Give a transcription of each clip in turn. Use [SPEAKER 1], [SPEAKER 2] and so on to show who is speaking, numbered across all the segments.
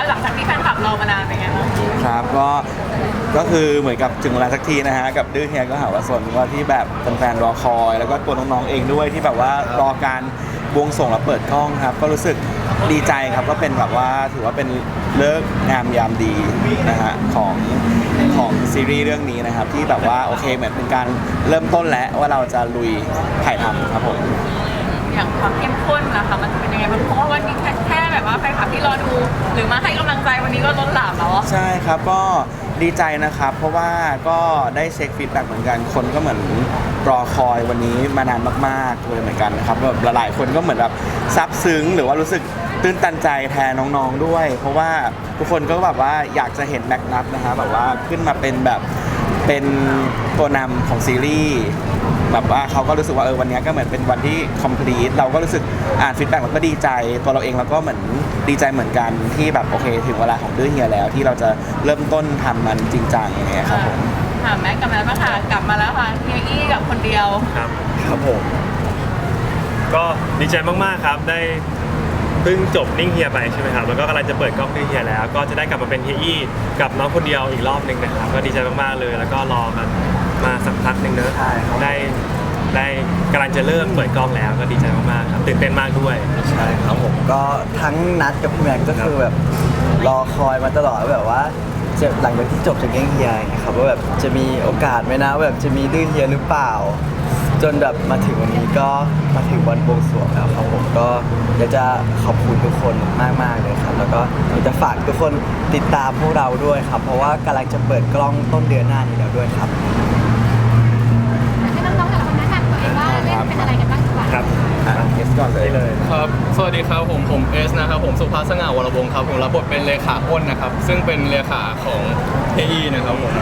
[SPEAKER 1] หลังจากที่แฟนคลับรอมานานเป็นไงบ้าง
[SPEAKER 2] ครับก็คือเหมือนกับถึงเวลาสักทีนะฮะกับดื้อเฮียก็หาว่าสนว่าที่แบบแฟนๆรอคอยแล้วก็ตัวน้องๆเองด้วยที่แบบว่ารอการบวงสรวงและเปิดกล้องครับก็รู้สึกดีใจครับก็เป็นแบบว่าถือว่าเป็นเลิกษ์งามยามดีนะฮะของซีรีส์เรื่องนี้นะครับที่แบบว่าโอเคเหมือนเป็นการเริ่มต้นแล้วว่าเราจะลุยถ่ายทำครับผม
[SPEAKER 1] อย่างความเข้มข้นนะคะมันเป็นยังไงบ้างเพราะว่าวันนี้แค่แบบว่าแฟนคลับที่รอดูหรือมาให้กำลังใจวันนี้ก็ล้นหลามแล้ว
[SPEAKER 2] ใช่ครับก็ดีใจนะครับเพราะว่าก็ได้เช็คฟีดแบ็กเหมือนกันคนก็เหมือนรอคอยวันนี้มานานมากๆเลยเหมือนกันนะครับแบบหลายๆคนก็เหมือนแบบซาบซึ้งหรือว่ารู้สึกตื้นตันใจแทนน้องๆด้วยเพราะว่าทุกคนก็แบบว่าอยากจะเห็นแม็กนัทนะฮะแบบว่าขึ้นมาเป็นแบบเป็นตัวนำของซีรีส์แบบว่าเขาก็รู้สึกว่าวันนี้ก็เหมือนเป็นวันที่ complete เราก็รู้สึกอ่านฟีดแบ็กเราก็ดีใจตัวเราเองเราก็เหมือนดีใจเหมือนกันที่แบบโอเคถึงเวลาของดื้อเฮียแล้วที่เราจะเริ่มต้นทำมันจริงจังอย่างเงี้ยครับผม
[SPEAKER 1] ค่ะแม็กกลับมาแล้วค่ะกลับมาแล้วค่ะเฮียอี้กับคนเดียว
[SPEAKER 3] ครับผมก็ดีใจมากๆครับได้เพิ่งจบนิ่งเฮียไปใช่ไหมครับแล้วก็กำลังจะเปิดกล้องนิ่งเฮียแล้วก็จะได้กลับมาเป็นเฮียอี้กับน้องคนเดียวอีกรอบหนึ่งนะครับก็ดีใจมากๆเลยแล้วก็รอกันมาสักพักหนึ่งเนอะได้กำลังจะเริ่มเปิดกล้องแล้วก็ดีใจมากๆครับตื่นเต้นมากด้วย
[SPEAKER 4] ใช่ครับผมก็ทั้งนัดกับพี่แม็กก็คือแบบรอคอยมาตลอดแบบว่าจะหลังจากที่จบจากเก้งเฮียนะครับว่าแบบจะมีโอกาสไหมนะแบบจะมีดื้อเฮียหรือเปล่าจนแบบมาถึงวันนี้ก็มาถึงวันบวงสรวงแล้วครับผมก็อยากจะขอบคุณทุกคนมากๆเลยครับแล้วก็อยากจะฝากทุกคนติดตามพวกเราด้วยครับเพราะว่ากำลังจะเปิดกล้องต้นเดือนหน้านี้แล้วด้วยครับ
[SPEAKER 5] ให้น้องๆแต่ละคนแนะนำตัวเองว่าเล่นเป็นอะไรกันบ้างดีกว่า
[SPEAKER 3] ครับ
[SPEAKER 2] เอสก่อนเลย
[SPEAKER 6] ครับสวัสดีครับผมเอสนะครับผมสุภาพสง่าวรวงศ์ครับผมรับบทเป็นเลขาอ้นนะครับซึ่งเป็นเลขาของเฮียนะครับผม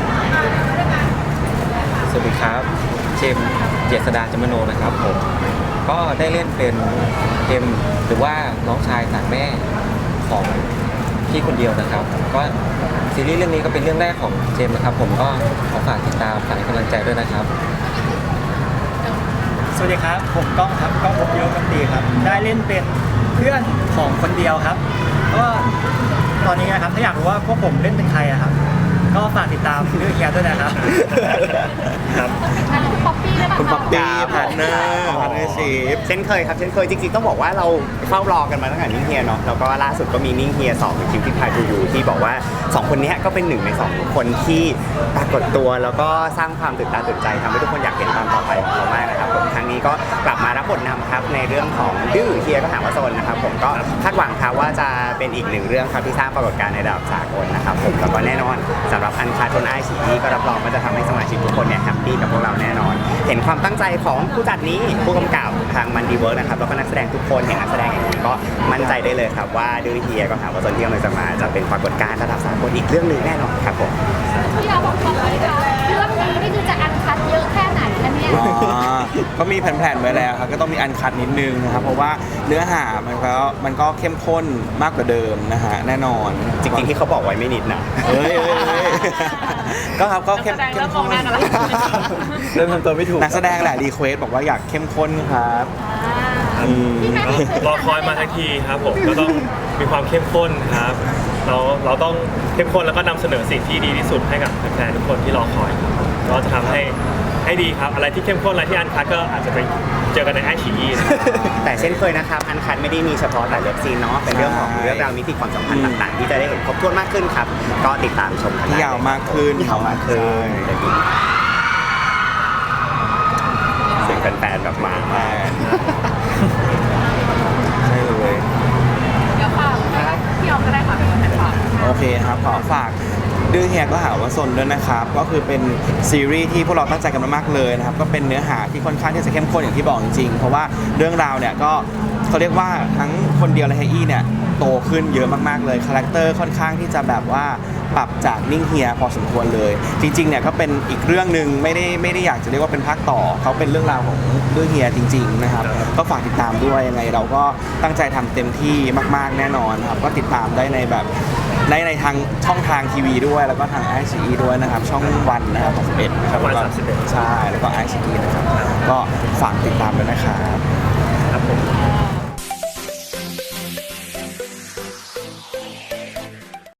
[SPEAKER 7] สวัสดีครับเจมส์เจษฎาจมโนนะครับผมก็ได้เล่นเป็นเจมส์หรือว่าน้องชายต่างแม่ของพี่คนเดียวนะครับก็ซีรีส์เรื่องนี้ก็เป็นเรื่องแรกของเจมส์นะครับผมก็ขอฝากติดตามฝากให้กำลังใจด้วยนะครับ
[SPEAKER 8] สวัสดีครับผมก้องครับก้องพบโยกันตีครับได้เล่นเป็นเพื่อนของคนเดียวครับก็ตอนนี้นะครับถ้าอยากรู้ว่าพวกผมเล่นเป็นใครอะครับก็ฝากติดตามเรื่องเฮียด้วยนะครับ
[SPEAKER 3] ครับ
[SPEAKER 5] คุณป๊อปปี้ได้ป่ะ
[SPEAKER 2] คุณป๊อปปี้พาร์ทเนอร์ชีพ
[SPEAKER 9] เช่นเคยครับเช่นเคยจริงๆต้องบอกว่าเราเฝ้ารอกันมาตั้งแต่นิ่งเฮียเนาะแล้วก็ล่าสุดก็มีนิ่งเฮีย2คิวที่พายทูยูที่บอกว่า2คนนี้ก็เป็น1ใน2คนที่ปรากฏตัวแล้วก็สร้างความตื่นตาตื่นใจทำให้ทุกคนอยากเห็นตอนต่อไปของเขามากนะครับผมครั้งนี้ก็กลับมารับบทนำครับในเรื่องของดื้อเฮียก็หาว่าโซนนะครับผมก็คาดหวังครับว่าจะเป็นอีก1เรื่องครับที่สร้างปรากฏการณ์ในระดับสากลนะครับผมแล้วก็แน่นอนสำหรับอันคาทนไอซีก็รับรองว่าจะทำให้สมาชิกทุกคนเนี่ยแฮปปี้กับพวกเราแน่นอนเห็นความตั้งใจของผู้จัดนี้ผู้กำกับทางมันดีเวิร์กนะครับแล้วก็นักแสดงทุกคนเห็นนักแสดงอย่างนี้ก็มั่นใจได้เลยครับว่าดื้อเฮียก็หาว่าโซนที่กำลังจะมาจะเป็นปรากฏการณ์ระดับสากลอีกเรื่องหนึ่งแน่นอนครับผม
[SPEAKER 5] ที่เราบอกเลยค่ะเรื่องนี้นี่คือจะอันคัดเยอะแค่ไหนคะเนี่ย
[SPEAKER 2] ก็มีแผนๆไว้แล้วครับก็ต้องมีอันคัดนิดนึงนะครับเพราะว่าเนื้อหามันก็เข้มข้นมากกว่าเดิมนะฮะแน่นอน
[SPEAKER 9] จริงๆที่เขาบอกไว้ไม่นิดนะ
[SPEAKER 2] ก็ครับก็เข้มข้น
[SPEAKER 4] เริ่มทำตัวไม่ถูก
[SPEAKER 2] นักแสดงแหละรีเควสบอกว่าอยากเข้มข้นครับ
[SPEAKER 3] รอคอยมาทันทีครับผมก็ต้องมีความเข้มข้นครับเราต้องเข้มข้นแล้วก็นำเสนอสิ่งที่ดีที่สุดให้กับแฟนๆทุกคนที่รอคอยครับก็จะทำให้ดีครับอะไรที่เข้มข้นอะไรที่อันคัทก็อาจจะไปเจอกันในไอชีอี
[SPEAKER 9] แต่เช่นเคยนะครับอันคัทไม่ได้มีเฉพาะแต่เลิฟซีนเนาะเป็นเรื่องของเรื่องราวมิติความสัมพันธ์ต่างๆที่จะได้เห็นครบถ้วนมากขึ้นครับก็ติดตามชมกัน
[SPEAKER 2] ยาวมากขึ้น
[SPEAKER 9] เสียงแฟนๆแบบมา
[SPEAKER 2] ใช่เลย
[SPEAKER 1] เดี๋ยวฝากพี่ออมก็ได้ค่ะเป็นคนฝาก
[SPEAKER 2] โอเคครับขอฝากดื้อเฮียก็หาว่าซนด้วยนะครับก็คือเป็นซีรีส์ที่พวกเราตั้งใจกันมากๆเลยนะครับก็เป็นเนื้อหาที่ค่อนข้างที่จะเข้มข้นอย่างที่บอกจริงๆเพราะว่าเรื่องราวเนี่ยก็เขาเรียกว่าทั้งคนเดียวและเฮียอี้เนี่ยโตขึ้นเยอะมากๆเลยคาแรคเตอร์ค่อนข้างที่จะแบบว่าปรับจากนิ่งเฮียพอสมควรเลยจริงๆเนี่ยก็เป็นอีกเรื่องหนึ่งไม่ได้อยากจะเรียกว่าเป็นภาคต่อเขาเป็นเรื่องราวของดื้อเฮียจริงๆนะครับก็ฝากติดตามด้วยยังไงเราก็ตั้งใจทำเต็มที่มากๆแน่นอนครับก็ติดตามได้ในแบบในทางช่องทางทีวีด้วยแล้วก็ทางไอซีด้วยนะครับช่องวันนะครับ31ครับ
[SPEAKER 3] วัน31
[SPEAKER 2] ใช่แล้วก็ไอซีนะครับก็ฝากติดตามด้วยนะครับ